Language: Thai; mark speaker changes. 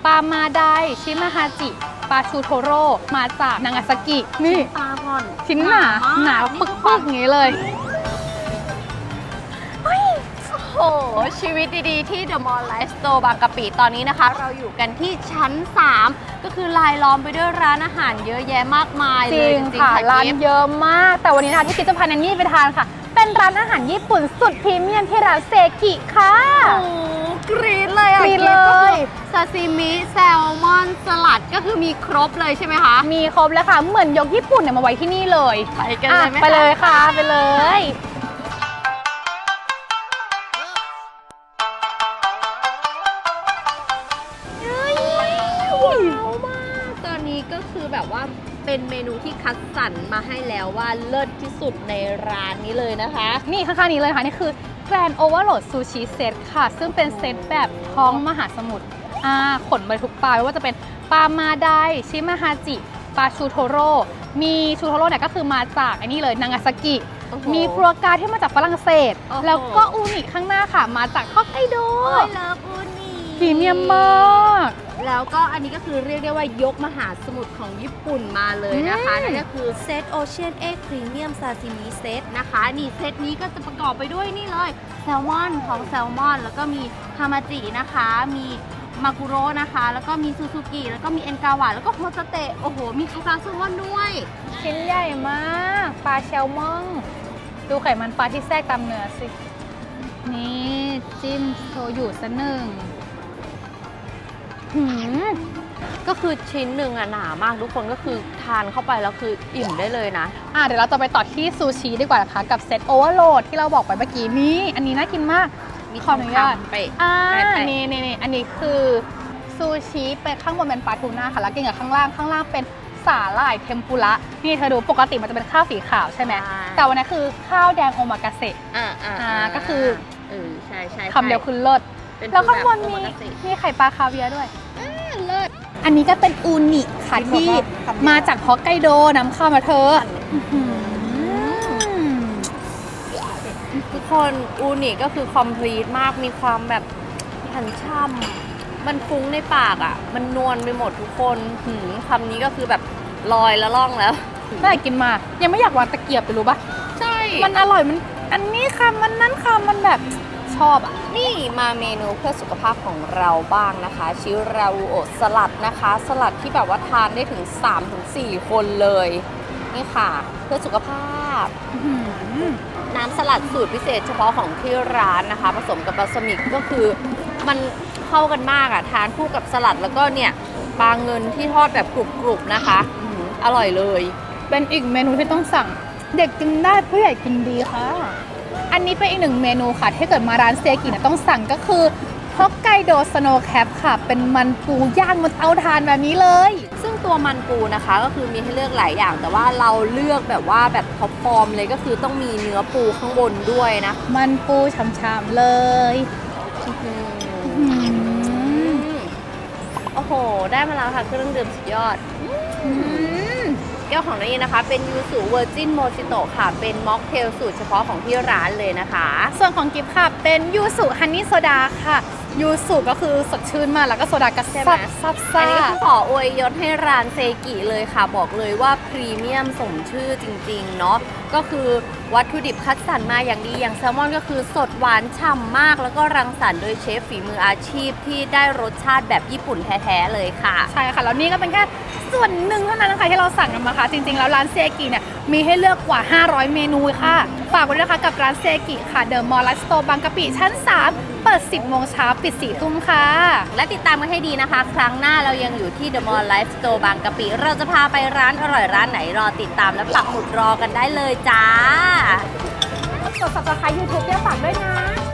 Speaker 1: ปลามาไดชิมาฮาจิปลาชูโทโร่มาจากนางาซากินี่
Speaker 2: ปลาก่อน
Speaker 1: ชิ้นหนาปึกๆอย่างนี้เลย
Speaker 2: โอ้โหชีวิตดีๆที่ The Mall Life Store บางกะปิตอนนี้นะคะ เราอยู่กันที่ชั้น 3 ก็คือลายล้อมไปด้วยร้านอาหารเยอะแยะมากมาย
Speaker 1: จ
Speaker 2: เล
Speaker 1: ริ
Speaker 2: ย
Speaker 1: ง
Speaker 2: จริง
Speaker 1: ค่ะ
Speaker 2: ๆ
Speaker 1: ร้าน
Speaker 2: กิฟต์
Speaker 1: เยอะมาก แต่วันนี้นะคะที่คิดจะพาแนนนี่ไปทานค่ะ เป็นร้านอาหารญี่ปุ่นสุดพรีเมียมที่ร้านเซกิค่ะ
Speaker 2: โอ้กรี๊ดเลยอ่ะ
Speaker 1: กรี๊ดเลย
Speaker 2: ซาซิมิแซลมอนสลัดก็คือมีครบเลยใช่ไหมคะ
Speaker 1: มีครบแล้วค่ะเหมือนยกญี่ปุ่นเนี่ยมาไว้ที่นี่เลย
Speaker 2: ไปกันเลยไหม
Speaker 1: ไปเลยค่ะไปเลย
Speaker 2: ว้าวมากตอนนี้ก็คือแบบว่าเป็นเมนูที่คัดสรรมาให้แล้วว่าเลิศที่สุดในร้านนี้เลยนะคะ
Speaker 1: นี่ข้างๆนี้เลยค่ะ นี่คือ Grand Overload Sushi Set ค่ะ ซึ่งเป็นเซตแบบท้องมหาสมุทรขนไปทุกปลาไม่ว่าจะเป็นปลามาไดชิมาฮาจิปลาชูโทโร่มีชูโทโร่เนี่ยก็คือมาจากไอ้นี่เลยนางาซากิ
Speaker 2: โอ้โห
Speaker 1: มีฟรัวกราที่มาจากฝรั่งเศส
Speaker 2: โอ้โห
Speaker 1: แล้วก็อูนิข้างหน้าค่ะ มาจากฮอกไกโด
Speaker 2: โอ้ยเลิฟอูนี่
Speaker 1: พรีเมียมมาก
Speaker 2: แล้วก็อันนี้ก็คือเรียกได้ว่ายกมหาสมุทรของญี่ปุ่นมาเลยนะคะนั่นก็คือเซตโอเชียนเอ็กพรีเมียมซาซิมิเซตนะคะนี่เซตนี้ก็จะประกอบไปด้วยนี่เลยแซลมอนของแซลมอนแล้วก็มีฮามาจินะคะมีมากุโร่นะคะแล้วก็มีซูซูกิแล้วก็มีเอ็นกาวะแล้วก็โฮสเตะโอ้โหมีคาคาซูมอนด้วย
Speaker 1: ชิ้นใหญ่มากปลาแซลมอนดูไขมันปลาที่แทรกตามเนื้อสิ นี่จิ้มโชยุซะหนึ่ง
Speaker 2: ก็คือชิ้นหนึ่งอะหนามากทุกคนก็คือทานเข้าไปแล้วคืออิ่มได้เลยนะ
Speaker 1: เดี๋ยวเราจะไปต่อที่ซูชิดีกว่านะคะกับเซตโอเวอร์โหลดที่เราบอกไปเมื่อกี้นี่อันนี้น่ากินมาก
Speaker 2: มี
Speaker 1: ขออนุญาต
Speaker 2: ทองคำไป
Speaker 1: อันนี้อันนี้คือซูชิเป็นข้างบนเป็นปลาทูน่าค่ะแล้วกินกับข้างล่างเป็นสาหร่ายเทมปุระนี่เธอดูปกติมันจะเป็นข้าวสีขาวใช่ไหมแต่วันนี้คือข้าวแดงโอมากาเสะก็คือ
Speaker 2: ใช่
Speaker 1: คำเดียวคือเลิศแล้วข้างบนมีไข่ปลาคาเวียร์ด้วย
Speaker 2: เลิศ
Speaker 1: อันนี้ก็เป็นอูนิค่ะที่มาจากฮอกไกโดนำเข้ามาเธอ
Speaker 2: ทุกคนอูนิก็คือคอมพลีทมากมีความแบบหันช่ำมันฟุ้งในปากอ่ะมันนวลไปหมดทุกคนคำนี้ก็คือแบบลอยแล้วล่องแล้ว
Speaker 1: น่ากินมากยังไม่อยากวางตะเกียบไปรู้ปะ
Speaker 2: ใช่
Speaker 1: มันอร่อยมันอันนี้คำมันนั้นคำมันแบบชอบอ่ะ
Speaker 2: นี่มาเมนูเพื่อสุขภาพของเราบ้างนะคะชิราอูโอะสลัดนะคะสลัดที่แบบว่าทานได้ถึง 3-4 คนเลยนี่ค่ะเพื่อสุขภาพน้ำสลัดสูตรพิเศษเฉพาะของที่ร้านนะคะผสมกับบาสมิกก็คือมันเข้ากันมากอ่ะทานคู่กับสลัดแล้วก็เนี่ยปลาเงินที่ทอดแบบกรุบๆนะคะอร่อยเลย
Speaker 1: เป็นอีกเมนูที่ต้องสั่งเด็กกินได้ผู้ใหญ่กินดีค่ะ อันนี้เป็นอีกหนึ่งเมนูค่ะที่เกิดมาร้านเซกิเนี่ยต้องสั่งก็คือฮอกไกโดสโนว์แคปค่ะเป็นมันปูย่างบนเตาถ่านแบบนี้เลย
Speaker 2: ซึ่งตัวมันปูนะคะก็คือมีให้เลือกหลายอย่าง แต่ว่าเราเลือกแบบว่าแบบท็อปฟอร์มเลยก็คือต้องมีเนื้อปูข้างบนด้วยนะ
Speaker 1: มันปูฉ่ำๆเลย
Speaker 2: โอ้โหได้มาแล้วค่ะเครื่องดื่มสุดยอดแก้วของนี่นะคะเป็นยูสุเวอร์จินโมจิโตะค่ะเป็นม็อกเทลสูตรเฉพาะของที่ร้านเลยนะคะ
Speaker 1: ส่วนของกิฟต์ค่ะเป็นยูสุฮันนี่โซดาค่ะยูสุก็คือสดชื่นมากแล้วก็โซดาก็แซ่บซับ
Speaker 2: อั
Speaker 1: ซ่าน
Speaker 2: นี้ขออวยยศให้ร้านเซกิเลยค่ะบอกเลยว่าพรีเมียมสมชื่อจริงๆเนาะก็คือวัตถุดิบคัดสรรมาอย่างดีอย่างแซลมอนก็คือสดหวานฉ่ำมากแล้วก็รังสรรค์โดยเชฟฝีมืออาชีพที่ได้รสชาติแบบญี่ปุ่นแท้ๆเลยค่ะ
Speaker 1: ใช่ค่ะแล้วนี่ก็เป็นแค่ส่วนหนึ่งเท่านั้นนะคะที่เราสั่งกันมาค่ะจริงๆแล้วร้านเซกิเนี่ยมีให้เลือกกว่า 500 เมนูค่ะฝากไว้ด้วยนะคะกับร้านเซกิค่ะเดอะมอลล์ไลฟ์สโตร์บางกะปิชั้น 3 เปิด 10 โมงเช้าปิด 4 ทุ่มค่ะ
Speaker 2: และติดตามกันให้ดีนะคะ ครั้งหน้าเรายังอยู่ที่ The Mall Life Store บางกะปิ เราจะพาไปร้านอร่อยร้านไหนรอติดตามและปักหมุดรอกันได้เลยจ้า
Speaker 1: กด subscribe YouTube เนี่ยฝากด้วยนะ